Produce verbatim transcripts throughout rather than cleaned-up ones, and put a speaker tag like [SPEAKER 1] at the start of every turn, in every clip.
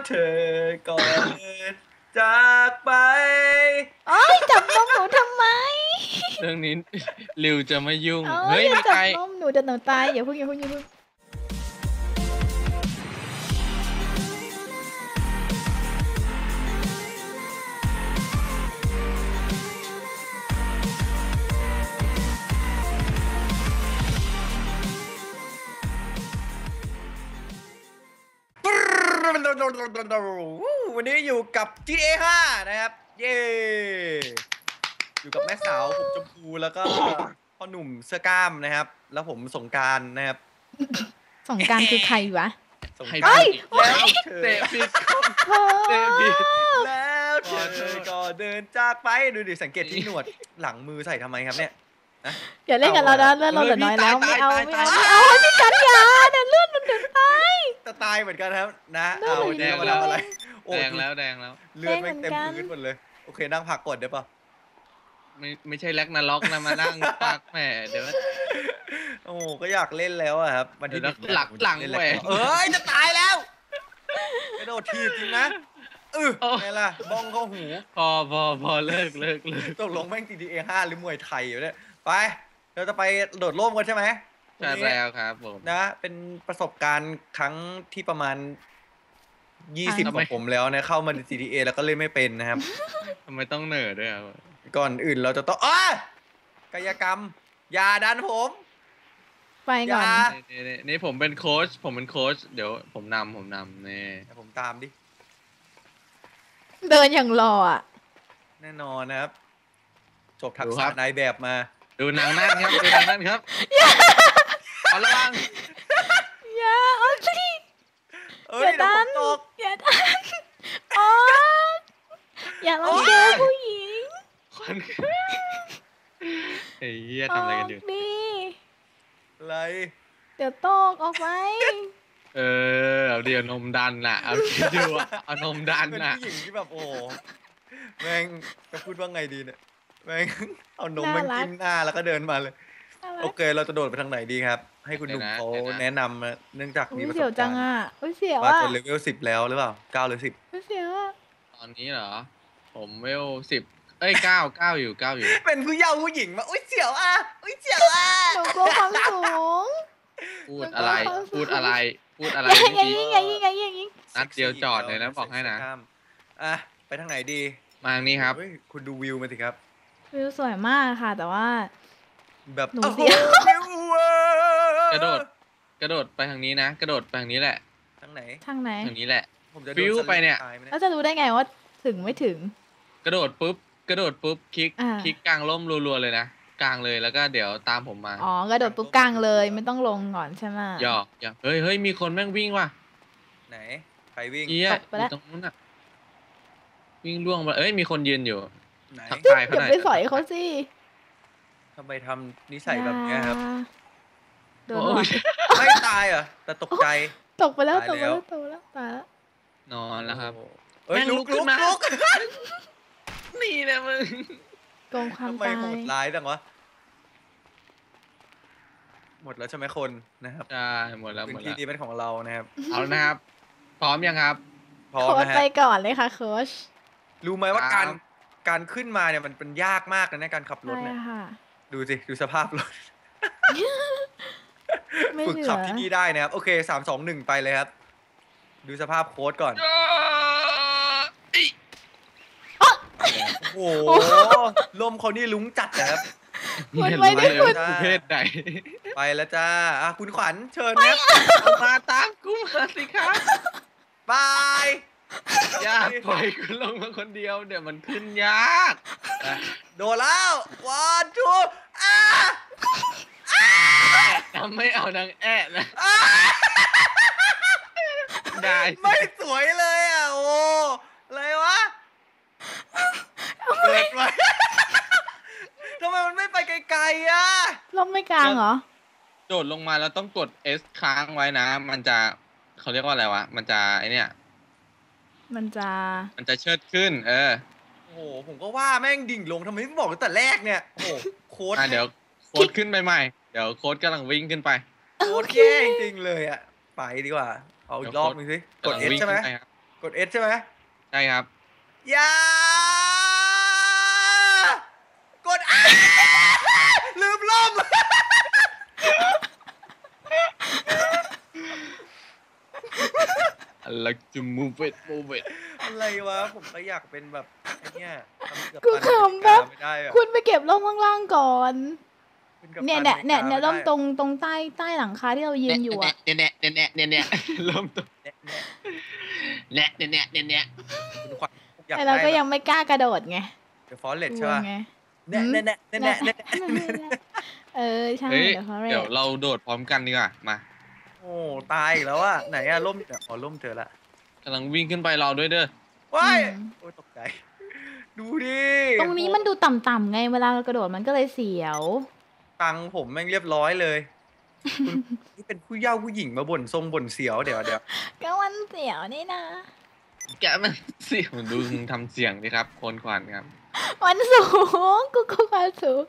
[SPEAKER 1] เธอก็เดินจากไป
[SPEAKER 2] โอ้ยจับนมหนูทำไม
[SPEAKER 3] เรื่องนี้ริวจะไม่ยุ่ง
[SPEAKER 2] เฮ้ยจับนมหนูจะหนูตายอย่าเพิ่งอย่าเพิ่งอย่าเพิ่ง
[SPEAKER 1] วันนี้อยู่กับ จี ที เอ ห้านะครับเย้อยู่กับแม่สาวผมชมพูแล้วก็พ่อหนุ่มเสื้อกล้ามนะครับแล้วผมสงกรานต์นะครับ
[SPEAKER 2] สงกรานต์คือใครวะ
[SPEAKER 1] สงกรานต์แล้วเธอ
[SPEAKER 3] เตะผิด
[SPEAKER 2] เตะผิด
[SPEAKER 1] แล้วเธอก็เดินจากไปดูดิสังเกตที่หนวดหลังมือใส่ทำไมครับเนี่ย
[SPEAKER 2] อย่าเล่นกับเรานะเลือดเราเหลือน้อยแล้วไม่เอาไม่เอาไม่เอาพี่กันยาเนี่ยเลือดมันถึงตาย
[SPEAKER 1] จะตายเหมือนกันครับนะเอาแดงแล้วอะไร
[SPEAKER 3] แดงแล้วแดงแล้ว
[SPEAKER 1] เลือดไม่เต็มพื้นหมดเลยโอเคนั่งพักก่อนได้ปะ
[SPEAKER 3] ไม่ไม่ใช่แล็กนาล็อกนะมานั่งปักแหมเดี๋ยว
[SPEAKER 1] โอ้ก็อยากเล่นแล้วอะครับวันที่
[SPEAKER 3] หลักหลังแหว
[SPEAKER 1] เอ้ยจะตายแล้วกระโดดทีบจริงนะเออไงล่ะบ้องเข้าหู
[SPEAKER 3] พอพอพอเลิกเลิกเลิก
[SPEAKER 1] ตกลงแม่ง จี ที เอ ห้าหรือมวยไทยอยู่เนี่ยไปเราจะไปโดดร่มกันใช่ไหม
[SPEAKER 3] ใช่แล้วครับผม
[SPEAKER 1] นะเป็นประสบการณ์ครั้งที่ประมาณยี่สิบของผมแล้วนะเข้ามาใน จี ที เอ แล้วก็เล่นไม่เป็นนะครับ
[SPEAKER 3] ทำไมต้องเหนื่อยด้วยครับ
[SPEAKER 1] ก่อนอื่นเราจะต้องอ้ากายกรรมอย่าดันผม
[SPEAKER 2] ไปก่อน
[SPEAKER 3] นี่นี่ผมเป็นโค้ชผมเป็นโค้ชเดี๋ยวผมนำผมนำนี่
[SPEAKER 1] ผมตามดิ
[SPEAKER 2] เดินอย่างรออ่ะ
[SPEAKER 1] แน่นอนนะครับจบทักษะนายแบบมา
[SPEAKER 3] ดูนางนั่นครับดูนางนั่นครับขอระวัง
[SPEAKER 2] อย่าเอาสิอย่าดันอย่าดันอ๋ออย่าลองเจอผู้หญิง
[SPEAKER 3] คนเฮ้ยทำอะไรกันอยู่
[SPEAKER 2] ดี
[SPEAKER 1] อะไร
[SPEAKER 2] เดี๋ยวตกออกไป
[SPEAKER 3] เออเอาเดี๋ยวนมดันน่ะเอาคิดดูเอานมดันน่ะ
[SPEAKER 1] เป็นผู้หญิงที่แบบโอ้แม่งจะพูดว่าไงดีเนี่ยแม่งเอานมมันจิ้มหน้าแล้วก็เดินมาเลยโอเคเราจะโดดไปทางไหนดีครับให้คุณหนุ่มเขาแนะนำเนื่องจากมีประสบการณ์
[SPEAKER 2] เสียวจังอ่ะเสียว
[SPEAKER 1] มา
[SPEAKER 2] อ่ะ
[SPEAKER 1] จนเลเวลสิบแล้วหรือเปล่าเก้าหรือสิบ
[SPEAKER 2] เสียวอ่ะ
[SPEAKER 3] ตอนนี้เหรอผมเวลสิบเอ้ยเก้าเก้าอยู่เก้าอยู่
[SPEAKER 1] เป็นผู้เยาว์ผู้หญิงมาอุ้ยเสียวอ่ะอุ้ยเสียวอ่ะ
[SPEAKER 2] หนูกลัวความสูง
[SPEAKER 3] พูดอะไรพูดอะไรพูดอะไร
[SPEAKER 2] ยิงยิงยิงยิงยิงยิงยิง
[SPEAKER 3] นัดเดียวจอดเลยนะบอกให้นะ
[SPEAKER 1] อ่ะไปทางไหนดี
[SPEAKER 3] มาทางนี้ครับ
[SPEAKER 1] คุณดูวิวมาสิครับ
[SPEAKER 2] วิวสวยมากค่ะแต่ว่า
[SPEAKER 1] แบบ
[SPEAKER 2] หนูเสียว
[SPEAKER 3] กระโดดกระโดดไปทางนี้นะกระโดดไปทางนี้แหละ
[SPEAKER 1] ทางไหน
[SPEAKER 2] ทางไหน
[SPEAKER 3] ทางนี้แหละฟิวไปเนี่ย
[SPEAKER 2] แล้วจะรู้ได้ไงว่าถึงไม่ถึง
[SPEAKER 3] กระโดดปุ๊บกระโดดปุ๊บคลิกคลิกกลางร่มรัวๆเลยนะกลางเลยแล้วก็เดี๋ยวตามผมมา
[SPEAKER 2] อ๋อกระโดดปุ๊บกลางเลยไม่ต้องลงก่อนใช่ไหม
[SPEAKER 3] หยอกหยอกเฮ้ยเฮ้ยมีคนแม่งวิ่งว่ะ
[SPEAKER 1] ไหนใครวิ่ง
[SPEAKER 3] เอี้ยอยู่ตรงนู้นอ่ะวิ่งล่วงไปเอ้ยมีคนยืนอยู่
[SPEAKER 2] ทักทายเขาหน่อยอย่าไปสอยเขาสิ
[SPEAKER 1] ทำไมทำนิสัยแบบนี้ครับ
[SPEAKER 2] โดน
[SPEAKER 1] ไม่ตายเหรอแต่ตกใจ
[SPEAKER 2] ตกไปแล้วตกไปแล้วตกแล้วตายแล้ว
[SPEAKER 3] นอนแล้วครับ
[SPEAKER 1] เอ้ยลุกลุกลุก
[SPEAKER 3] นี่แหละมึง
[SPEAKER 2] โกงความตาย
[SPEAKER 1] ทำไมโหดร้ายจังวะหมดแล้วใช่ไหมคนนะครับ
[SPEAKER 3] ใช่หมดแล้วหมดแล้ว
[SPEAKER 1] พื้นที่นี้เป็นของเรานะครับ
[SPEAKER 3] เอานะครับพร้อมยังครับ
[SPEAKER 1] พร้อมนะฮะ
[SPEAKER 2] ไปก่อนเลยค่ะโค้ช
[SPEAKER 1] รู้ไหมว่าการการขึ้นมาเนี่ยมันเป็นยากมากนะการขับรถเนี่ยดูสิดูสภาพรถฝึกขับที่นี่ได้นะครับโอเคสามสองหนึ่งไปเลยครับดูสภาพโค้ดก่อนโอ้โหลมเขานี่ลุ้งจัดนะครับ
[SPEAKER 2] ไม่ไม่ได้คุณ
[SPEAKER 3] เพศใด
[SPEAKER 1] ไปแล้วจ้าอ่ะคุณขวัญเชิญนะ
[SPEAKER 3] มาตามกูมาสิครับ
[SPEAKER 1] บาย
[SPEAKER 3] อย่าปล่อยกูลงมาคนเดียวเดี๋ยวมันขึ้นยาก
[SPEAKER 1] โดนแล้ววันทูอ่ะ
[SPEAKER 3] ทำไม่เอานางแอะนะได้
[SPEAKER 1] ไม่สวยเลยอ่ะโอ้อะไรวะเกิดไว้ทำไมมันไม่ไปไกลๆอ่ะ
[SPEAKER 2] ลมไม่กลางเหรอ
[SPEAKER 3] โดดลงมาแล้วต้องกด S ค้างไว้นะมันจะเขาเรียกว่าอะไรวะมันจะไอเนี้ย
[SPEAKER 2] มันจะ
[SPEAKER 3] มันจะเชิดขึ้นเออ
[SPEAKER 1] โอ้โหผมก็ว่าแม่งดิ่งลงทำไมไม่บอกตั้งแต่แรกเนี่ยโอ้โหโค้ด
[SPEAKER 3] เดี๋ยวโค้ดขึ้นไปใหม่เดี๋ยวโค้ดกำลังวิ่งขึ้นไป
[SPEAKER 1] โค้ดแย่จริงเลยอ่ะไปดีกว่าเอาอีกรอบนึงสิกด S ใช่ไหมกกด S ใช่ไหม
[SPEAKER 3] ใช่ครับ
[SPEAKER 1] อย่ากดอ้าลืมล่ม
[SPEAKER 3] I like to move it move it
[SPEAKER 1] อะไรวะผมก็อยากเป็นแบบไอ้เนี่ยทำกับ
[SPEAKER 2] กู
[SPEAKER 1] ตัน
[SPEAKER 2] ขำ
[SPEAKER 1] อเมริ
[SPEAKER 2] แบ
[SPEAKER 1] กา
[SPEAKER 2] บ
[SPEAKER 1] ไม่ได้อะ
[SPEAKER 2] คุณไปเก็บร่มข้างล่างก่อน
[SPEAKER 1] เป็นกัปตั
[SPEAKER 2] เนี่ย
[SPEAKER 1] อ
[SPEAKER 2] เนี่ย
[SPEAKER 1] มริ
[SPEAKER 2] เนี่ย
[SPEAKER 1] กา
[SPEAKER 2] เนี่ย
[SPEAKER 1] ไม่
[SPEAKER 2] ร่ม
[SPEAKER 1] ได้
[SPEAKER 2] ตรงตรงใต้ใต้หลังคาที่เรายืนอยู่อะ
[SPEAKER 3] เนี่ยเนี่ยเนี่ยเนี่ยเนี่ยเนี่ยเริ่มต้น
[SPEAKER 1] แน่แน่
[SPEAKER 3] เนี่ยเนี่ยเนี่ยเนี่ย
[SPEAKER 1] คุณขวัญอยาก
[SPEAKER 2] แต่
[SPEAKER 1] ได้
[SPEAKER 2] เราก็
[SPEAKER 1] แบ
[SPEAKER 2] ยั
[SPEAKER 1] บ
[SPEAKER 2] งไม่กล้ากระโดดไง
[SPEAKER 1] เดอะฟอเรส
[SPEAKER 2] กลั
[SPEAKER 1] ใช่
[SPEAKER 2] ว
[SPEAKER 1] ป่ะ
[SPEAKER 2] ไง
[SPEAKER 1] แน่แน่แน่แน่แน่แน่แน่
[SPEAKER 2] เออใช่
[SPEAKER 3] เฮ้ย
[SPEAKER 2] เดี๋ยวเขาเรี
[SPEAKER 3] เดี๋
[SPEAKER 2] ย
[SPEAKER 3] ยว
[SPEAKER 2] ก
[SPEAKER 3] เราโดดพร้อมกันดีกว่ามา
[SPEAKER 1] โอ้ตายอีกแล้วอะไหนอะล่มเนี่ยอ๋อล่มเจอละ
[SPEAKER 3] กำลังวิ่งขึ้นไปรอด้วยเด้อ
[SPEAKER 1] ว้าย
[SPEAKER 2] อืม
[SPEAKER 1] โอ้ยตกใจดูดิ
[SPEAKER 2] ตรงนี้มันดูต่ำๆไงเวลาเรากระโดดมันก็เลยเสียว
[SPEAKER 1] ตังค์ผมแม่งเรียบร้อยเลยคุณนี่เป็นผู้เย้าผู้หญิงมาบ่นทรงบ่นเสียวเดี๋ยวเดี๋ยว
[SPEAKER 2] ก็มันเสียวนี่นะ
[SPEAKER 3] แกมันเสียงดูมึงทำเสียงดิครับโคนขวัญครับ
[SPEAKER 2] มันสูงกูก็มาสูง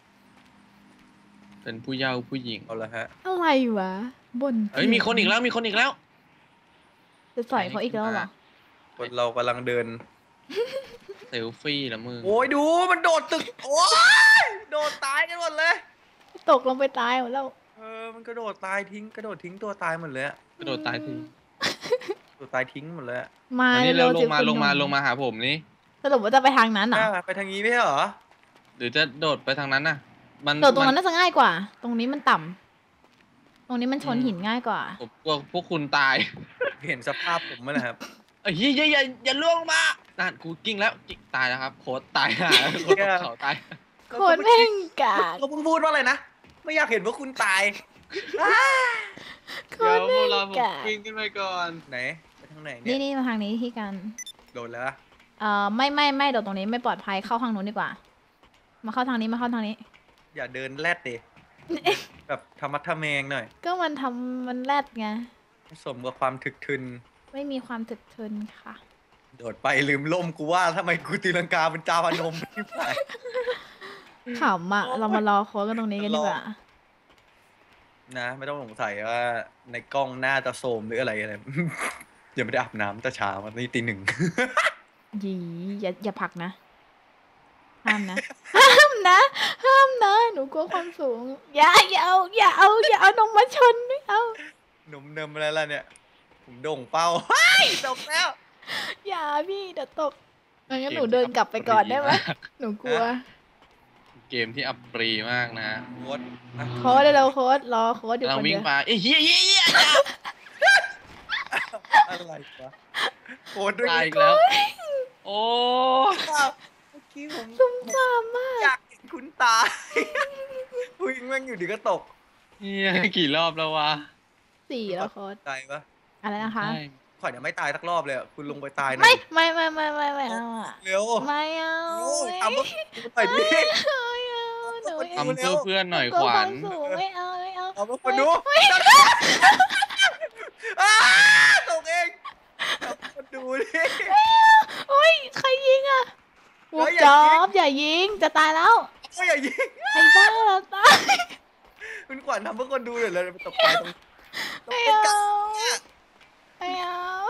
[SPEAKER 3] เป็นผู้เยาว์ผู้หญิง
[SPEAKER 1] เอาละฮะ
[SPEAKER 2] อะไรวะบน
[SPEAKER 3] เฮ้ยมีคนอีกแล้วมีคนอีกแล้ว
[SPEAKER 2] จะต่อยเขาอีกแล้วเหรอ
[SPEAKER 1] คนเรากำลังเดิน
[SPEAKER 3] เซลฟี่ละมึง
[SPEAKER 1] โอ้ยดูมันโดดตึกโอ้ยโดดตายกันหมดเลย
[SPEAKER 2] ตกลงไปตายหมดแล้ว
[SPEAKER 1] เออมันกระโดดตายทิ้งกระโดดทิ้งตัวตายหมดเลยอะ
[SPEAKER 3] กระโดดตายที
[SPEAKER 1] ตัวตายทิ้งหมดเลยอะ
[SPEAKER 2] มา
[SPEAKER 3] อันนี้เร็วล
[SPEAKER 2] สิ
[SPEAKER 3] งมา
[SPEAKER 2] คุณ
[SPEAKER 3] ลงมา
[SPEAKER 2] หนุ่
[SPEAKER 3] ลงมาหาผมนี่
[SPEAKER 2] สรุปว่าจะไปทางนั้นเหรอ
[SPEAKER 1] อ่ะไปทางนี้ไม่ใช่เหรอ
[SPEAKER 3] หรือจะโดดไปทางนั้นน่ะ มัน
[SPEAKER 2] โดดตรงนั้น
[SPEAKER 3] มั
[SPEAKER 2] น่าจะง่ายกว่า ตรงนี้มันต่ำตรงนี้มันชนหินง่ายกว่า
[SPEAKER 3] ผมกลัวพวกคุณตาย
[SPEAKER 1] เห็นสภาพผมไหมล่ะครับ
[SPEAKER 3] เอ้ยอย่าอย่าอย่าล่วงลงมานั่นกูกิ้งแล้วกิ้งตายแล้วครับโค้ดตายหาโค้ดตกเขาตาย
[SPEAKER 2] โคตรแม่งกาก
[SPEAKER 1] เราเพิ่งพูดว่าอะไรนะไม่อยากเห็นว่าคุณตาย
[SPEAKER 2] โค
[SPEAKER 3] เดี๋ย
[SPEAKER 2] ต
[SPEAKER 3] ว
[SPEAKER 2] ร
[SPEAKER 3] พว
[SPEAKER 2] แม่
[SPEAKER 3] กเราผม
[SPEAKER 2] งกาก
[SPEAKER 3] วิ่งขึ้นไปก่อน
[SPEAKER 1] ไหนไปทางไหน
[SPEAKER 2] นี่
[SPEAKER 1] เนี่ย
[SPEAKER 2] นี่มาทางนี้ที่กัน
[SPEAKER 1] โดนแล้วอะ
[SPEAKER 2] เอ่อไม่ไม่ไม่โดดตรงนี้ไม่ปลอดภัยเข้าทางนู้นดีกว่า มาเข้าทางนี้มาเข้าทางนี้
[SPEAKER 1] อย่าเดินแลดดิแบบธรรมะทะแมงหน่อย
[SPEAKER 2] ก็มันทำมันแรดไง
[SPEAKER 1] สมกับความถึกทึน
[SPEAKER 2] ไม่มีความถึกทนค่ะ
[SPEAKER 1] โดดไปลืมล่มกูว่าทำไมกูตีลังกาเป็นจาพนมไม่ไป
[SPEAKER 2] ขำอ่ะ เรามารอโค้ดกันตรงนี้กันดีกว่า
[SPEAKER 1] นะไม่ต้องสงสัยว่าในกล้องหน้าจะโสมหรืออะไรอะไร ยังไม่ได้อาบน้ำแต่เช้าวันนี้ตีหนึ่ง
[SPEAKER 2] ยีอย่าอย่าผลักนะ ห้ามนะ ห้ามนะ ห้ามนะ หนูกลัวความสูง อย่าอย่าเอาอย่าเอาอย่าเอานมมาชนไม่เอา
[SPEAKER 1] หนุ่มเนิมอะไรล่ะเนี่ย ผมโด่งเป้า เฮ้ยตกแล้ว
[SPEAKER 2] อย่าพี่เดี๋ยวตกงั้นหนูเดินกลับไปก่อนได้ไหมหนูกลัว
[SPEAKER 3] เกมที่อับปรีมากนะ
[SPEAKER 1] โค้ดอ่ะ
[SPEAKER 2] โค้ดเร็วๆโค้ดรอโค้ดอยู่
[SPEAKER 3] กำลั
[SPEAKER 2] ค
[SPEAKER 3] ง
[SPEAKER 2] น
[SPEAKER 3] วิ่
[SPEAKER 2] เดี
[SPEAKER 3] ง
[SPEAKER 2] ยว
[SPEAKER 3] ไปเอ้ยเฮียเฮียเฮีย
[SPEAKER 1] อะไรวะโค้ดด้วย
[SPEAKER 3] ตายอีกแล้ว โอ้
[SPEAKER 1] เมื่อกี้ผม
[SPEAKER 2] ซุ่มซ่ามมาก
[SPEAKER 1] อยากเห็นคุณตาย วิ่งแม่งอยู่ดีก็ตก
[SPEAKER 3] เฮียกี่รอบแล้ววะ
[SPEAKER 2] สี่แล้วโค้ด
[SPEAKER 1] ตายปะ
[SPEAKER 2] อะไรนะคะ
[SPEAKER 3] ใช่
[SPEAKER 1] ข่อยเนี่ยไม่ตายสักรอบเลยอะคุณลงไปตายหน่
[SPEAKER 2] ไม่
[SPEAKER 1] อย
[SPEAKER 2] ไม่ไม่ไม่ไม่ไม่เอาอะ
[SPEAKER 1] เร็ว
[SPEAKER 2] ไม่เอา
[SPEAKER 1] โอ้ย
[SPEAKER 2] ไม่
[SPEAKER 1] ทำเพื่อหน่อยดิ
[SPEAKER 2] ไม่เอาหนู
[SPEAKER 3] ทำเพื่อเพื่อนหน่อย
[SPEAKER 2] กลั
[SPEAKER 3] ข
[SPEAKER 2] ว
[SPEAKER 3] วั
[SPEAKER 2] ควา
[SPEAKER 3] ญ
[SPEAKER 2] มสูงไม่เอาไม่เอา
[SPEAKER 1] เอามาคนดูอ้าตกเองเอามาคนดูดิ
[SPEAKER 2] โอ้ยใครยิงอะวู
[SPEAKER 1] เฮ้
[SPEAKER 2] บ
[SPEAKER 1] ยอย่า
[SPEAKER 2] จอ
[SPEAKER 1] ยิง
[SPEAKER 2] บอย่ายิงจะตายแล้ว
[SPEAKER 1] โอ้ยอย่ายิง
[SPEAKER 2] ไอ้บ้าเราตาย
[SPEAKER 1] คุณขวัญทำเพื่อคนดูเลยเลยตกใจตรงตก
[SPEAKER 2] ไม่
[SPEAKER 1] ใกล้
[SPEAKER 2] เอา
[SPEAKER 1] ๆเนี่ย
[SPEAKER 2] ไม่เอา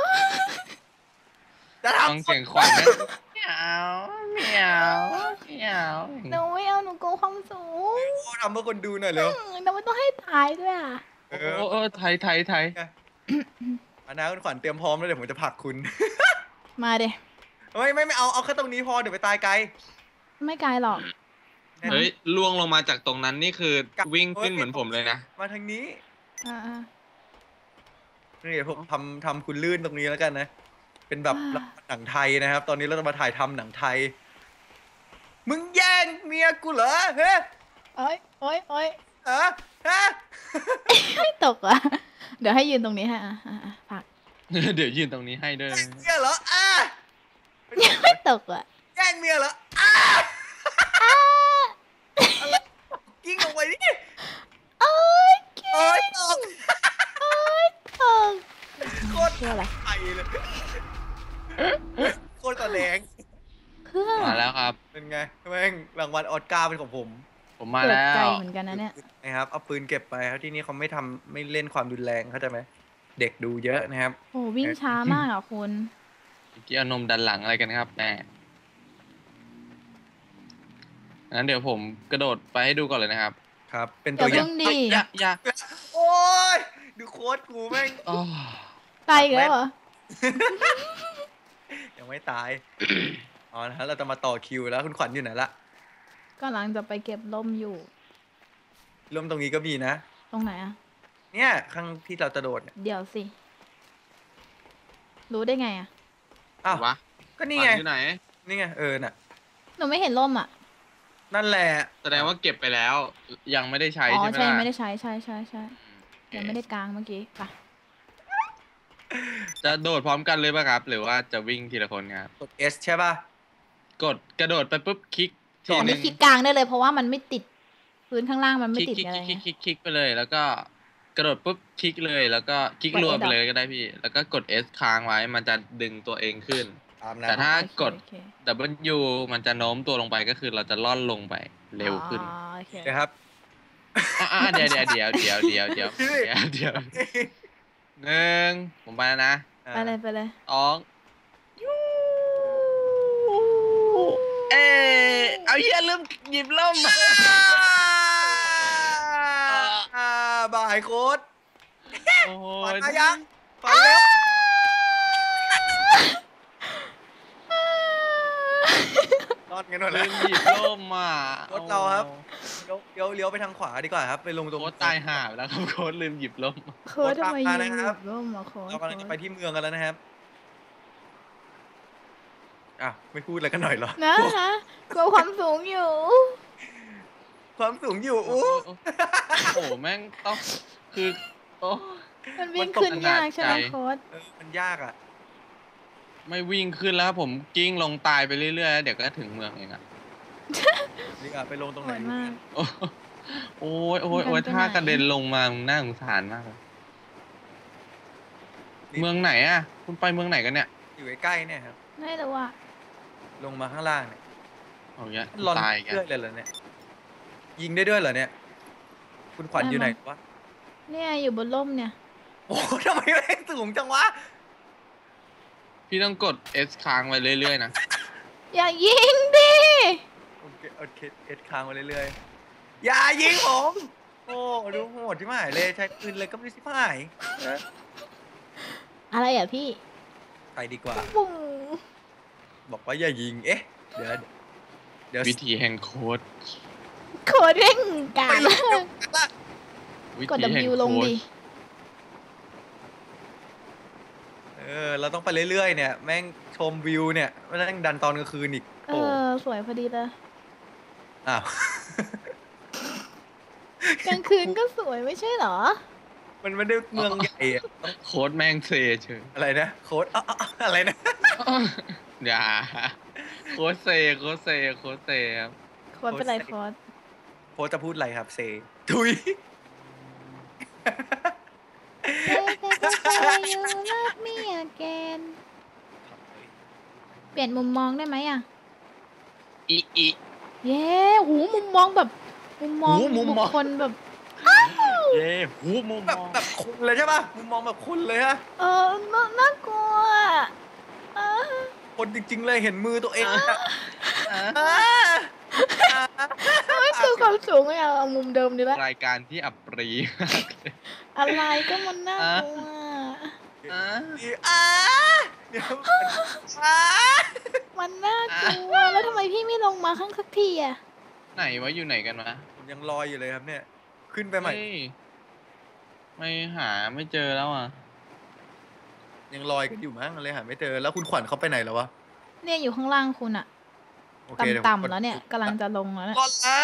[SPEAKER 1] จะ
[SPEAKER 3] ฟัง
[SPEAKER 1] ทำ
[SPEAKER 3] เสียงขวัญนะเหมียวเหมียวเหมียว
[SPEAKER 2] หนูไม่เอาหนูกลัวความสูง
[SPEAKER 1] โอ้ทำเพื่อคนดูหน่อยเร็ว
[SPEAKER 2] เราไม่ต้องให้ตายด้วยอะ
[SPEAKER 1] เอ
[SPEAKER 3] โอ้
[SPEAKER 1] อ
[SPEAKER 3] โอ้ไทยไทยไทย
[SPEAKER 1] อันนะคุณขวัญเตรียมพร้อมแล้วเดี๋ยวผมจะผลักคุณ
[SPEAKER 2] มาเด
[SPEAKER 1] ไม่ไม่ไม่เอาเอาแค่ตรงนี้พอเดี๋ยวไปตายไกล
[SPEAKER 2] ไม่ไกลหรอก
[SPEAKER 3] เฮ้ยล่วงลงมาจากตรงนั้นนี่คือวิ่งขึ้นเหมือนผมเลยนะ
[SPEAKER 1] มาทางนี้
[SPEAKER 2] อ่า
[SPEAKER 1] นี่เดี๋ยวผมทำทำคุณลื่นตรงนี้แล้วกันนะ เป็นแบบ
[SPEAKER 2] อ่า
[SPEAKER 1] หนังไทยนะครับ ตอนนี้เราจะมาถ่ายทำหนังไทย มึงแย่งเมียกูเหรอเฮ้
[SPEAKER 2] โอ้ยโอ้ยโอ้ย
[SPEAKER 1] เออฮะ
[SPEAKER 2] ไม่ตกอ่ะ เดี๋ยวให้ยืนตรงนี้ฮะอ่ะอ่ะอ่ะฝาก
[SPEAKER 3] เดี๋ยวยืนตรงนี้ให้ด้วย
[SPEAKER 1] แย่งเมียเหรออ่ะ
[SPEAKER 2] ไม่ตกอ่ะ
[SPEAKER 1] แย่งเมียเหรออ่ะอะไรกิ้งลงไปดิ
[SPEAKER 2] โอ้ย
[SPEAKER 1] โอ้ยตก
[SPEAKER 2] โอ้ยตก
[SPEAKER 1] โคตร
[SPEAKER 2] เพื่ออะไร
[SPEAKER 1] ไทยเลยโคตรตะแหลง
[SPEAKER 2] เพื่อ
[SPEAKER 3] มาแล้วครับ
[SPEAKER 1] เป็นไงแม่งรางวัลออสการ์เป็นของผม
[SPEAKER 3] ผมมา
[SPEAKER 2] เกิด
[SPEAKER 3] แล้
[SPEAKER 2] ใจ
[SPEAKER 3] ว
[SPEAKER 2] เหมือนกันนะเนี่ย
[SPEAKER 1] นะครับเอาปืนเก็บไปครับที่นี่เขาไม่ทำไม่เล่นความรุนแรงเข้าใจไหมเด็กดูเยอะนะครับ
[SPEAKER 2] โอ้วิ่งช้ามากอ่ะคุณ
[SPEAKER 3] เมื่อกี้เอานมดันหลังอะไรกันครับแม่งั้นเดี๋ยวผมกระโดดไปให้ดูก่อนเลยนะครับ
[SPEAKER 1] ครับ เป็น
[SPEAKER 2] อ
[SPEAKER 1] ตั
[SPEAKER 2] ย่าว
[SPEAKER 1] อ
[SPEAKER 2] เพิ่
[SPEAKER 1] ย่าง
[SPEAKER 2] งดี
[SPEAKER 3] อย่าอย่า
[SPEAKER 1] โอ้ยดูโค้ดกูแม่ง
[SPEAKER 3] อ๋อ
[SPEAKER 2] ตายอีกแล้วเหรอ
[SPEAKER 1] ยังไม่ตายอ๋อนะฮะเราจะมาต่อคิวแล้วคุณขวัญอยู่ไหนละ
[SPEAKER 2] กำลังจะไปเก็บล่มอยู่
[SPEAKER 1] ร่มตรงนี้ก็มีนะ
[SPEAKER 2] ตรงไหนอะ
[SPEAKER 1] เนี่ยข้างที่เราจะโดดเนี่ย
[SPEAKER 2] เดี๋ยวสิ รู้ได้ไงอะ
[SPEAKER 1] อ้าว
[SPEAKER 3] วะ
[SPEAKER 1] ก็นี่ไง
[SPEAKER 3] ขวัญอยู่ไหน
[SPEAKER 1] นี่ไงเออน่ะ
[SPEAKER 2] หนูไม่เห็นล่มอะ
[SPEAKER 1] นั่นแหละ
[SPEAKER 3] แสดงว่าเก็บไปแล้ว ยังไม่ได้ใช้
[SPEAKER 2] อ๋อ
[SPEAKER 3] ใช่ไหม
[SPEAKER 2] ใช่
[SPEAKER 3] ล่ะ
[SPEAKER 2] ไม่ได้ใช้ใช่ใช่ใช่
[SPEAKER 3] อื
[SPEAKER 2] ยังไม่ได้กลางเมื่อกี้ค่ะ
[SPEAKER 3] จะโดดพร้อมกันเลยป่ะครับ หรือว่าจะวิ่งทีละคนครับ
[SPEAKER 1] กด S ใช่ป่ะ
[SPEAKER 3] กดกระโดดไปปุ๊บคลิกที
[SPEAKER 2] อัน
[SPEAKER 3] ห
[SPEAKER 2] นี้
[SPEAKER 3] นึ่ง
[SPEAKER 2] คลิกกลางได้เลยเพราะว่ามันไม่ติดพื้นข้างล่างมัน
[SPEAKER 3] ค
[SPEAKER 2] ไม่
[SPEAKER 3] ลิก
[SPEAKER 2] ติด
[SPEAKER 3] คลิก
[SPEAKER 2] อะไร
[SPEAKER 3] คลิก
[SPEAKER 2] ไง
[SPEAKER 3] คลิกคลิกไปเลย แล้วก็กระโดดปุ๊บคลิกเลย แล้วก็คลิก
[SPEAKER 2] กด
[SPEAKER 3] รัว
[SPEAKER 2] S
[SPEAKER 3] ไปเลยก็ได้พี่ แล้วก็กด S ค้างไว้มันจะดึงตัวเองขึ้น
[SPEAKER 1] ตามนะ
[SPEAKER 3] แต่ถ้า
[SPEAKER 2] โอเค
[SPEAKER 3] กด
[SPEAKER 2] โอเค
[SPEAKER 3] W มันจะโน้มตัวลงไปก็คือเราจะล่อนลงไปเร็วขึ้น
[SPEAKER 2] อ๋อโอเค
[SPEAKER 1] นะครับ
[SPEAKER 3] อ่าเดี๋ยวเดี๋ยวเดี๋ยวเดี๋ยวเดี๋ยวเดี๋ยวเดี๋ยวเดี๋ยวหนึ่งผมไปแล้วนะ
[SPEAKER 2] ไปเลยไปเลย
[SPEAKER 3] สองยูเออเอาเหี้ยลืมหยิบล่ม
[SPEAKER 1] อ่าบ่ายโค้ด
[SPEAKER 3] โอ้
[SPEAKER 1] ฝัน
[SPEAKER 3] ย
[SPEAKER 1] มายังฝันเร็วรอดกันหมด
[SPEAKER 3] ลื
[SPEAKER 1] แล้ว
[SPEAKER 3] มหยิบล่มอ่ะ
[SPEAKER 1] รถเราครับ เลี้ยวเลี้ยวเลี้ยวไปทางขวาดีกว่าครับ ไปลงตรง
[SPEAKER 3] โค้ดตายห่าไปแล้วครับโค้ดลืมหยิบล่ม
[SPEAKER 2] โค้ดทำไม
[SPEAKER 1] โค้
[SPEAKER 2] ยิ
[SPEAKER 1] ด
[SPEAKER 2] ง
[SPEAKER 1] ตามมานะครับ
[SPEAKER 2] ร่มอะโค้ด
[SPEAKER 1] เรากำลังจะไปที่เมืองกันแล้วนะครับอ่ะไม่พูดอะไรกันหน่อยเหรอ
[SPEAKER 2] นะฮะกลัวความสูงอยู่
[SPEAKER 1] ความสูงอยู่
[SPEAKER 3] โอ้
[SPEAKER 1] อู้
[SPEAKER 3] โหแม่งต้องคือโอ้
[SPEAKER 2] มันวิ่ง
[SPEAKER 3] มันตก
[SPEAKER 2] ขึ้นยากใช่ไหม
[SPEAKER 3] ขนาดใจ
[SPEAKER 2] โค้ด
[SPEAKER 1] เออมันยากอ่ะ
[SPEAKER 3] ไม่วิ่งขึ้นแล้วครับผมกิ้งลงตายไปเรื่อยๆแล้วเดี๋ยวก็ถึงเมืองเองอ่ะ
[SPEAKER 1] นี่อ่ะไปลงตรง
[SPEAKER 2] โห
[SPEAKER 1] ไหน
[SPEAKER 2] ดมาก
[SPEAKER 3] โอ้โอ้ยโอ้ยโอ้ย
[SPEAKER 2] มันกันไปไหน
[SPEAKER 3] ถ้ากระเด็นลงมามึงน่าสงสารมากเลยเมืองไหนอ่ะ คุณไปเมืองไหนกันเนี่ย
[SPEAKER 1] อยู่ใกล้ๆเนี่ยครับ
[SPEAKER 2] ไม่รู้อ่ะ
[SPEAKER 1] ลงมาข้างล่างเนี่ย
[SPEAKER 3] เอาเงี้ย
[SPEAKER 1] หลอน
[SPEAKER 3] ตายกัน
[SPEAKER 1] เรื่อยเลยเหรอเนี่ย ยิงได้ด้วยเหรอเนี่ย คุณขวัญอยู่ไหนวะ
[SPEAKER 2] เนี่ยอยู่บนร่มเนี่ย
[SPEAKER 1] โอ้โหทำไมแม่งสูงจังวะ
[SPEAKER 3] พี่ต้องกด S ค้างไว้เรื่อยๆนะ
[SPEAKER 2] อย่ายิงดิ
[SPEAKER 1] โอเคโอเคเอ็ดค้างมาเรื่อยๆ อย่ายิงผม โอ้ดูโหดที่หมายเลยใช้ปืนเลยก็ไม่สิพ่ายนะ
[SPEAKER 2] อะไรอ่ะพี่
[SPEAKER 1] ไปดีกว่า
[SPEAKER 2] ปุ้ง
[SPEAKER 1] บอกว่าอย่ายิง เอ๊ะ เดี๋ยว เดี๋ยว
[SPEAKER 3] วิธีแห่งโค้ด
[SPEAKER 2] โค้ดเร่งกลา
[SPEAKER 1] ไป
[SPEAKER 2] ง
[SPEAKER 1] ล
[SPEAKER 2] มาง ก
[SPEAKER 1] กันละ
[SPEAKER 3] วิ
[SPEAKER 2] กด
[SPEAKER 3] ธีแห่ง
[SPEAKER 2] W ลง
[SPEAKER 3] โค้ด
[SPEAKER 2] ดิ
[SPEAKER 1] เออ เราต้องไปเรื่อยๆ เนี่ย แม่งชมวิวเนี่ยไม่ต้องดันตอนกลางคืนอีก
[SPEAKER 2] เอ
[SPEAKER 1] โอ้
[SPEAKER 2] อ สวยพอดีเลย
[SPEAKER 1] อ้าว
[SPEAKER 2] กลางคืนก็สวยไม่ใช่เหรอ
[SPEAKER 1] มันไม่ได้เมืองใหญ่อะต้อง
[SPEAKER 3] โค้ดแม่งเซเฉย
[SPEAKER 1] อะไรนะ โค้ดอ๊ะอ๊ะอ๊ะอะไรนะ
[SPEAKER 3] อย่าโค้ดเซโค้ดเซโค้ดเซครับ
[SPEAKER 2] โค้ดเป็นไรโค้ด
[SPEAKER 1] โค้ดจะพูดอะไรครับเซ ทุย
[SPEAKER 2] เซ่เซ่เซ่ยูรักมีอแกนเปลี่ยนมุมมองได้ไหมอ่ะ
[SPEAKER 3] อีอี
[SPEAKER 2] เย้หูมุมมองแบบ มุมมอง
[SPEAKER 1] หูมุมมอง
[SPEAKER 2] บุคคลแบบ
[SPEAKER 3] เย่หูมุม
[SPEAKER 1] แบบ
[SPEAKER 3] มอง
[SPEAKER 1] แบบคุณเลยใช่ป่ะมุมมองแบบคุณเลยฮะ
[SPEAKER 2] เออน่าน่ากลัวเออ
[SPEAKER 1] คนจริง ๆ เลยเห็นมือตัวเองอะ
[SPEAKER 3] อ่ะ
[SPEAKER 1] อ่าอ่า
[SPEAKER 2] ไม่คือความสูงอะเอามุมเดิมดีละ
[SPEAKER 3] รายการที่อับปรีมากเลย
[SPEAKER 2] อะไรก็มันน่ากลัว
[SPEAKER 3] อ่ะ
[SPEAKER 1] อ่าเดี๋ยวอ่า
[SPEAKER 2] มันน่ากลัว แล้วทำไมพี่ไม่ลงมาข้างสักทีอะ
[SPEAKER 3] ไหนวะอยู่ไหนกันวะ
[SPEAKER 1] ผมยังลอยอยู่เลยครับเนี่ย ขึ้นไปใหม่
[SPEAKER 3] เฮ้ยไม่หาไม่เจอแล้วอ่ะ
[SPEAKER 1] ยังลอยกันอยู่มั้งเลยหาไม่เจอแล้วคุณขวัญเขาไปไหนแล้ววะ
[SPEAKER 2] เนี่ยอยู่ข้างล่างคุณอะ
[SPEAKER 1] โอเคเดี๋ยวผม
[SPEAKER 2] ต่ำๆแล้วเนี่ยกำลังจะลงแล้วเนี่ย
[SPEAKER 1] กดแล้ว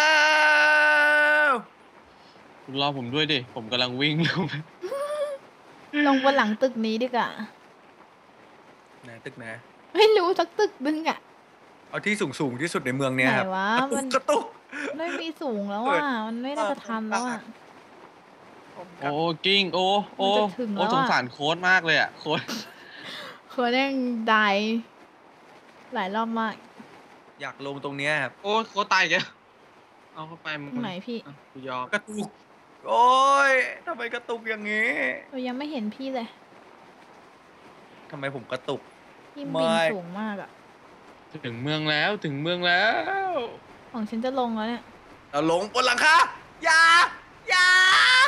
[SPEAKER 3] คุณรอผมด้วยดิ ผมกำลังวิ่งลงไป
[SPEAKER 2] ลงบนหลังตึกนี้ดีกว่า
[SPEAKER 1] ไหนตึกไหน
[SPEAKER 2] ไม่รู้สักตึกนึงอะ
[SPEAKER 1] เอาที่สูงสูงๆที่สุดในเมืองเนี่ยครับ
[SPEAKER 2] ไหนวะ
[SPEAKER 1] กระตุ
[SPEAKER 2] มั
[SPEAKER 1] ก
[SPEAKER 2] น
[SPEAKER 1] กระตุก
[SPEAKER 2] ไม่มีสูงแล้ว
[SPEAKER 1] เปิด
[SPEAKER 2] อ่ะ มันไม่น่าจะทันแล้วอ่ะ
[SPEAKER 3] โอ้กิ้งโอ้โอ้
[SPEAKER 2] มันจะถึงแล้ว
[SPEAKER 3] โอ้
[SPEAKER 2] อะ
[SPEAKER 3] สงสารโค้ดมากเลยอ่ะโค้ด
[SPEAKER 2] เขาแดงได้หลายรอบมาก
[SPEAKER 1] อยากลงตรงเนี้ยครับ
[SPEAKER 3] โอ้โค้ดตายอีกแล้วเอาเข้าไปมึง
[SPEAKER 2] ตรงไหนพี่
[SPEAKER 3] อ่ะกูยอม
[SPEAKER 1] กระตุก โอ้ยทำไมกระตุกอย่างงี้
[SPEAKER 2] เรายังไม่เห็นพี่เลย
[SPEAKER 1] ทำไมผมกระตุก
[SPEAKER 2] ไที่บิน
[SPEAKER 1] ไม่
[SPEAKER 2] สูงมากอะ
[SPEAKER 3] ถึงเมืองแล้วถึงเมืองแล้ว
[SPEAKER 2] ของฉันจะลงแล้วเนี่ย
[SPEAKER 1] เราลงบนหลังคาอย่าอย่า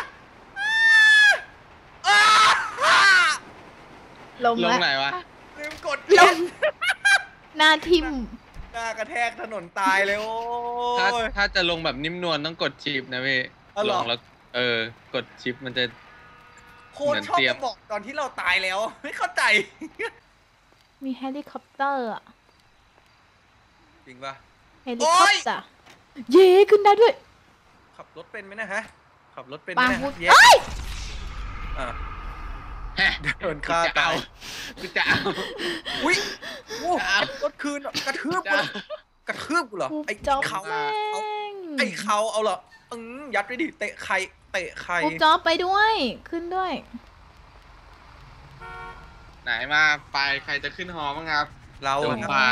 [SPEAKER 1] อ้าอ้า
[SPEAKER 2] ลง
[SPEAKER 3] ลง
[SPEAKER 2] แล้ว
[SPEAKER 3] ไหนวะ
[SPEAKER 1] ลืมกด
[SPEAKER 2] ลง หน้าทิ่ม
[SPEAKER 1] หน้ากระแทกถนนตายเลยโอ้
[SPEAKER 3] ถ้าย ถ้าจะลงแบบนิ่มนวลต้องกดชิปนะพี่
[SPEAKER 1] อ๋อเหร
[SPEAKER 3] ล
[SPEAKER 1] อ
[SPEAKER 3] งแล้วเออกดชิปมันจะ
[SPEAKER 1] โคตรชอบ
[SPEAKER 3] เหมือนเตรียม
[SPEAKER 1] มาบอกตอนที่เราตายแล้ว ไม่เข้าใจ
[SPEAKER 2] มีเฮลิคอปเตอร์อะ
[SPEAKER 1] จริงปะ
[SPEAKER 2] เฮลิคอปเตอร์เย้ขึ้นได้ด้วย
[SPEAKER 1] ขับรถเป็นไหมนะฮะ ขับรถเป็นไห
[SPEAKER 2] ปาม
[SPEAKER 1] นะ
[SPEAKER 2] พูด
[SPEAKER 1] ฮะเย้
[SPEAKER 2] เอ้ย
[SPEAKER 1] อ่ะ
[SPEAKER 3] ฮะ
[SPEAKER 1] โดนฆ่า
[SPEAKER 3] จะ
[SPEAKER 1] ตา
[SPEAKER 3] เอา
[SPEAKER 1] ย
[SPEAKER 3] กูจะเอา
[SPEAKER 1] อุ้ยโอ้
[SPEAKER 3] จะเอา
[SPEAKER 1] รถคืนอะกระทืบ
[SPEAKER 3] จะ
[SPEAKER 1] กู
[SPEAKER 3] เอา
[SPEAKER 1] เหรอกระทืบกูเหรอ
[SPEAKER 2] กู
[SPEAKER 1] ไอ้
[SPEAKER 2] จอบ
[SPEAKER 1] เขา
[SPEAKER 2] แม่ง
[SPEAKER 1] ไอ้เขาเอาเหรออืมยัดไปดิเตะใครเตะใคร
[SPEAKER 2] กูจอบไปด้วย ขึ้นด้วย
[SPEAKER 3] ไหนมาไปใครจะขึ้นหอบ้างครับ
[SPEAKER 1] เรา
[SPEAKER 3] จ
[SPEAKER 1] อะ
[SPEAKER 3] ง
[SPEAKER 1] ครับ
[SPEAKER 3] พา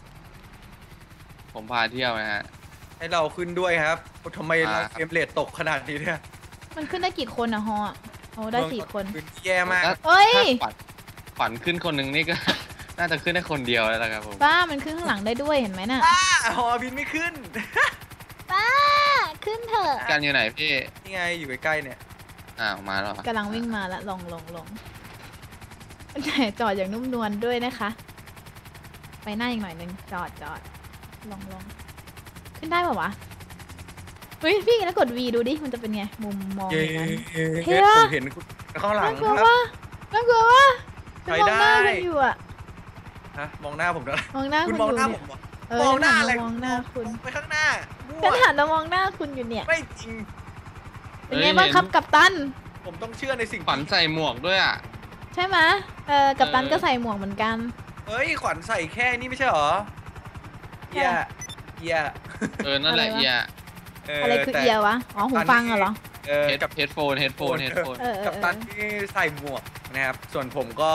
[SPEAKER 3] ผมพาเที่ยวนะฮะ
[SPEAKER 1] ให้เราขึ้นด้วยครับโอ้ทำไมเรา
[SPEAKER 3] อ่า
[SPEAKER 1] เฟรมเรทตกขนาดนี้เนี่ย
[SPEAKER 2] มันขึ้นได้กี่คนอะฮออะโอ้ได้สี่คน
[SPEAKER 1] พื้นที่แย่มาก
[SPEAKER 3] ถ้า
[SPEAKER 2] เอ้ย
[SPEAKER 3] ถ้าขวัญขวัญขึ้นคนหนึ่งนี่ก็ น่าจะขึ้นได้คนเดียวแล้วนะครับผม
[SPEAKER 2] ป้ามันขึ้นข้างหลังได้ด้วยเห็นไหมน่ะ
[SPEAKER 1] อ้าหอบินไม่ขึ้น
[SPEAKER 2] ป้า ขึ้นเถอะ
[SPEAKER 3] การอยู่ไหนพี่
[SPEAKER 1] นี่ไงอยู่ใกล้ๆเนี่ย
[SPEAKER 3] อ้าวมาแล้ว
[SPEAKER 2] กำลังวิ่งมาละลงลงลงแต่จอดอย่างนุ่มนวลด้วยนะคะ ไปหน้าอีกหน่อยนึงจอดจอดลงลงขึ้นได้ป่าวะเฮ้ยพี่แล้วกด V ดูดิมันจะเป็นไง มุมมอง
[SPEAKER 1] เย้
[SPEAKER 2] อย่างนั้น เฮ้
[SPEAKER 1] เฮ้
[SPEAKER 2] ย
[SPEAKER 1] ผมเห็นคุณข้างหลัง
[SPEAKER 2] น่ากลัว
[SPEAKER 1] ครับ
[SPEAKER 2] วะน่ากลัววะ
[SPEAKER 1] ไป
[SPEAKER 2] ฉันมองหน้า
[SPEAKER 1] ได้
[SPEAKER 2] คุณอยู่อะ
[SPEAKER 1] ฮะมองหน้าผมด้วย
[SPEAKER 2] มองหน้า
[SPEAKER 1] คุ
[SPEAKER 2] คุณ ณ
[SPEAKER 1] มอง
[SPEAKER 2] อยู่
[SPEAKER 1] หน้าผ
[SPEAKER 2] เนี่ย
[SPEAKER 1] มเหรอ
[SPEAKER 2] เออ
[SPEAKER 1] มองหน้า
[SPEAKER 2] ฉั
[SPEAKER 1] อะไร
[SPEAKER 2] มองหน้าคุณ
[SPEAKER 1] ไปข้างหน้ามั่ว
[SPEAKER 2] ฉันหันมามองหน้าคุณอยู่เนี่ย
[SPEAKER 1] ไม่จริง
[SPEAKER 2] เป็นไงบ้างครับกัปตัน
[SPEAKER 1] ผมต้องเชื่อในสิ่ง
[SPEAKER 3] ขวัญใส่หมวกด้วยอ่ะ
[SPEAKER 2] ใช่ไหมเออกัปตัน
[SPEAKER 3] เออ
[SPEAKER 2] ก็ใส่หมวกเหมือนกัน
[SPEAKER 1] เฮ้ยขวัญใส่แค่นี้ไม่ใช่เหรอเอียเอีย
[SPEAKER 3] เออ นั่นแหละ
[SPEAKER 2] อะไรวะ
[SPEAKER 3] เอีย
[SPEAKER 2] อะไรคือ
[SPEAKER 1] แต่
[SPEAKER 2] เอียวะ อ๋อหูฟังอะเหรอ
[SPEAKER 1] เออ
[SPEAKER 3] เฮด
[SPEAKER 1] กับ
[SPEAKER 3] เฮดโฟนเฮดโฟนเฮดโฟน
[SPEAKER 2] เออเออ
[SPEAKER 1] กับ
[SPEAKER 2] เอ
[SPEAKER 1] ตั
[SPEAKER 2] อน
[SPEAKER 1] ที่ใส่หมวกนะครับ ส่วนผมก็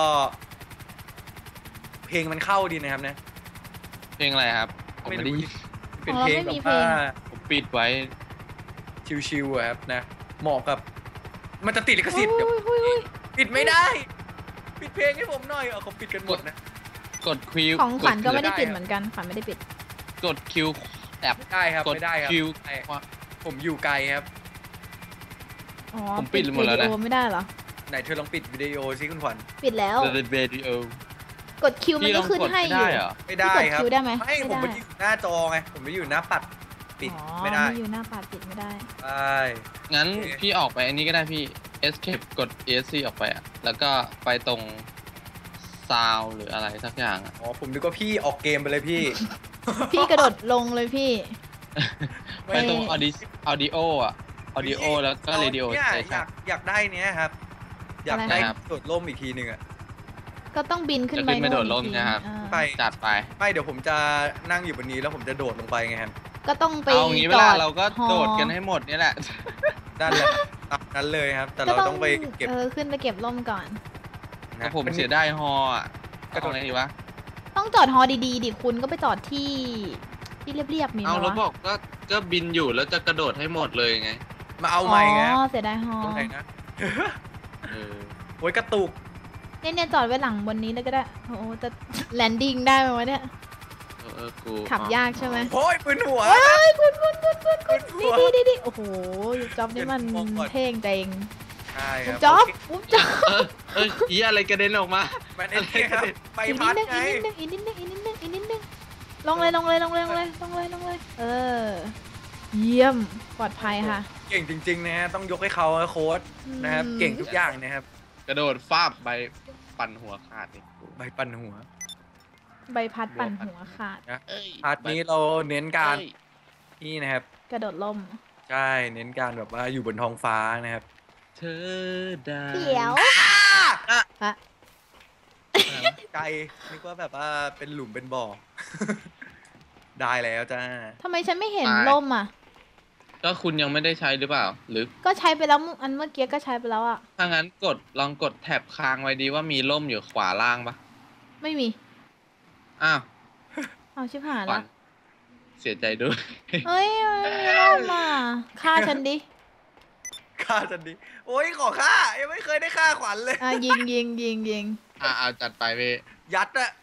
[SPEAKER 1] เพลงมันเข้าดีนะครับเนี่ย
[SPEAKER 3] เพลงอะไรครับ ผมไม่ได้ยิน
[SPEAKER 1] เป็นเพลงแบบว่า
[SPEAKER 3] ผมปิดไว้
[SPEAKER 1] ชิวๆอะครับนะเหมาะกับ มันจะติดลิขสิทธิ์เดี๋ยว
[SPEAKER 2] อุ้ยอุ้ยอุ้ย
[SPEAKER 1] ปิดไม่ได้ ปิดเพลงให้ผมหน่อยเอาเขาปิดกันหมดนะ
[SPEAKER 3] กดคิว
[SPEAKER 2] ของขวัญก็ไม่ได้
[SPEAKER 1] ได้
[SPEAKER 2] ปิด
[SPEAKER 1] ครับ
[SPEAKER 2] เหมือนกันขวัญไม่ได้ปิด
[SPEAKER 3] กดคิวแอบ
[SPEAKER 1] ไม่ได้ครับ
[SPEAKER 3] กด
[SPEAKER 1] ไม่ได้ครับ
[SPEAKER 3] คิว
[SPEAKER 1] ไม่ได้ผมอยู่ไกลครับ
[SPEAKER 2] อ๋อ
[SPEAKER 3] ผมปิดหมดแล้วนะ
[SPEAKER 2] วิดีโอไม่ได้เหรอ
[SPEAKER 1] ไหนเธอลองปิดวิดีโอซิคุณขวัญ
[SPEAKER 2] ปิดแล้ว
[SPEAKER 3] เดอะเบดิโอก
[SPEAKER 2] ดคิวมัน
[SPEAKER 3] พี่ล
[SPEAKER 2] ก็
[SPEAKER 3] อง
[SPEAKER 2] ขึ้น
[SPEAKER 3] กด
[SPEAKER 2] ให้
[SPEAKER 3] ไม่
[SPEAKER 2] อยู่
[SPEAKER 3] ได้เหรอ
[SPEAKER 1] ไม่ได้
[SPEAKER 2] พี่กด
[SPEAKER 1] ครับ
[SPEAKER 2] คิวได้ไหม
[SPEAKER 1] ไม่ผม
[SPEAKER 2] ไม่
[SPEAKER 1] ไม่
[SPEAKER 2] ได้
[SPEAKER 1] ได้อยู่หน้าจอไงผมไม่ได้อยู่หน้าปัดปิด
[SPEAKER 2] อ๋อ
[SPEAKER 1] ไม่ได้
[SPEAKER 2] อยู่หน้าปัดปิดไม่ได้
[SPEAKER 1] ใช่
[SPEAKER 3] งั้น
[SPEAKER 1] โอเค
[SPEAKER 3] พี่ออกไปอันนี้ก็ได้พี่ escape กด เอ เอส ซี ออกไปอ่ะ แล้วก็ไปตรงซาวหรืออะไรสักอย่างอ่ะ
[SPEAKER 1] อ๋อผมนึกว่าพี่ออกเกมไปเลยพี่
[SPEAKER 2] พี่กระโดดลงเลยพี่
[SPEAKER 1] ไม่
[SPEAKER 3] ไปตรง audio audio อ่ะ audio แล้วก็ radio
[SPEAKER 1] เนี่ยอ
[SPEAKER 3] station
[SPEAKER 1] ยากอยากได้เนี้ยครับ อยาก
[SPEAKER 2] อะไรนะ
[SPEAKER 1] ได้
[SPEAKER 3] ครับ
[SPEAKER 1] โดดร่มอีกทีหนึ่งอะ
[SPEAKER 2] ก็ต้องบินขึ้น
[SPEAKER 3] จะ
[SPEAKER 2] ไป
[SPEAKER 3] ขึ้นไปโดดร่ม
[SPEAKER 2] อีกที
[SPEAKER 3] นะครับ
[SPEAKER 2] อ่า
[SPEAKER 1] ไป
[SPEAKER 3] จัดไป
[SPEAKER 1] ไม่เดี๋ยวผมจะนั่งอยู่บนนี้แล้วผมจะโดดลงไปไงครับ
[SPEAKER 2] ก็ต้องไป
[SPEAKER 3] เอางี้เว
[SPEAKER 2] จ
[SPEAKER 3] ลา
[SPEAKER 2] อด
[SPEAKER 3] เราก็
[SPEAKER 2] ฮอ
[SPEAKER 3] โดดกันให้หมดนี่แหละ
[SPEAKER 1] นั่นแหละตามนั้นเลยครับ แต่เราต้องไปเก็บ
[SPEAKER 2] เออขึ้นไปเก็บร่มก่อน
[SPEAKER 1] นะ
[SPEAKER 3] แต่ผมเสียดายฮออ่ะ
[SPEAKER 1] กระโด
[SPEAKER 3] เอา
[SPEAKER 1] ด
[SPEAKER 3] ไงดีวะ
[SPEAKER 2] ต้องจอดฮอดีๆดิคุณก็ไปจอดที่ที่เรียบๆมีไหม
[SPEAKER 3] เอาแล้ว
[SPEAKER 2] วะ
[SPEAKER 3] บอกก็ก็บินอยู่แล้วจะกระโดดให้หมดเลยไง
[SPEAKER 1] มาเอาใหม่ไง
[SPEAKER 2] อ๋อเสียดายฮอ
[SPEAKER 1] ตรงไหนนะ
[SPEAKER 3] เออ
[SPEAKER 1] โอ้ยกระตุก
[SPEAKER 2] เนี่ยเนี่ยจอดไว้หลังบนนี้เลยก็ได้โอ้โหจะแลนดิ้งได้ไหมวะเนี่ย
[SPEAKER 3] เออเออกู
[SPEAKER 2] ขับยากใช่ไหม
[SPEAKER 1] โอ้ยปืนหัว
[SPEAKER 2] เฮ้ยคุณคุณคุณคุณคุณ
[SPEAKER 1] หั
[SPEAKER 2] นี่
[SPEAKER 1] ว
[SPEAKER 2] นี่นี่นี่โอ้โหจ๊อบนี่มัน
[SPEAKER 1] เดี๋ยวผมมองก่อน
[SPEAKER 2] เท่งจริง
[SPEAKER 1] ใช่ค
[SPEAKER 2] ปุ๊
[SPEAKER 1] รั
[SPEAKER 2] บบ จ๊อบปุ๊บจ๊อบ
[SPEAKER 3] เออเอออีอะไรกระเด็นออกมา
[SPEAKER 1] มันไอ้นี่ครับไป
[SPEAKER 2] อีกนิ
[SPEAKER 1] พั
[SPEAKER 2] ด
[SPEAKER 1] ด
[SPEAKER 2] นึง
[SPEAKER 1] ไง
[SPEAKER 2] อีกนิดนึงอีกนิดนึงอีกนิดนึงอีกนิดนึงลงเลยลงเลยลงเลยลงเลยลงเลยลงเลยเออ เยี่ยมปลอดภัยค่ะ
[SPEAKER 1] เก่งจริงๆนะฮะต้องยกให้เขานะโค้ดนะครับ
[SPEAKER 2] อืม
[SPEAKER 1] เก่งทุกอย่างนะครับ
[SPEAKER 3] กระโดดฟาบใบปั่นหัวขาดอีกกู
[SPEAKER 1] ใบปั่นหัว
[SPEAKER 2] ใบพัดปั่นหัวขาด
[SPEAKER 1] นะ
[SPEAKER 3] เอ้ย
[SPEAKER 1] พาร์ทนี้เราเน้นการ
[SPEAKER 3] เอ้ย
[SPEAKER 1] นี่นะครับ
[SPEAKER 2] กระโดดล่ม
[SPEAKER 1] ใช่เน้นการแบบว่าอยู่บนท้องฟ้านะครับ
[SPEAKER 3] เธอได้
[SPEAKER 2] เขียว
[SPEAKER 1] อ่ะ
[SPEAKER 2] อะ
[SPEAKER 1] ไกลนึกว่าแบบว่าเป็นหลุมเป็นบ่อ ได้แล้วจ้า
[SPEAKER 2] ทำไมฉันไม่เห็นล่มอ่ะ
[SPEAKER 3] ก็คุณยังไม่ได้ใช้หรือเปล่า หรือ
[SPEAKER 2] ก็ใช้ไปแล้วอันเมื่อกี้ก็ใช้ไปแล้วอ่ะ
[SPEAKER 3] ถ้างั้นกดลองกดแท็บค้างไว้ดีว่ามีร่มอยู่ขวาล่างปะ
[SPEAKER 2] ไม่มี
[SPEAKER 3] อ้าว
[SPEAKER 2] เอาชิบหาย
[SPEAKER 3] ขวั
[SPEAKER 2] ละ
[SPEAKER 3] ญเสียใจด้วย
[SPEAKER 2] เฮ้ยไม่มีล่มอ่ะฆ่าฉันดิ
[SPEAKER 1] ฆ่าจันดีโอ้ยขอฆ่ายังไม่เคยได้ฆ่าขวัญเลย
[SPEAKER 2] อ่ะยิงยิงยิงยิง
[SPEAKER 3] อ่าเอาจัดไปเว้ย
[SPEAKER 1] ยัดอะ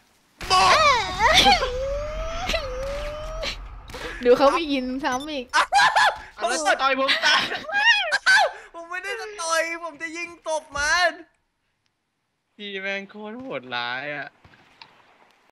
[SPEAKER 1] บอก
[SPEAKER 2] ดูเขาไม่ยินซ้ำอีก
[SPEAKER 3] เอาแล้วต่อยผมตาย
[SPEAKER 1] ผมไม่ได้จะต่อยผมจะยิงตบมัน
[SPEAKER 3] พี่แม่งโคตรโหดร้ายอ่ะ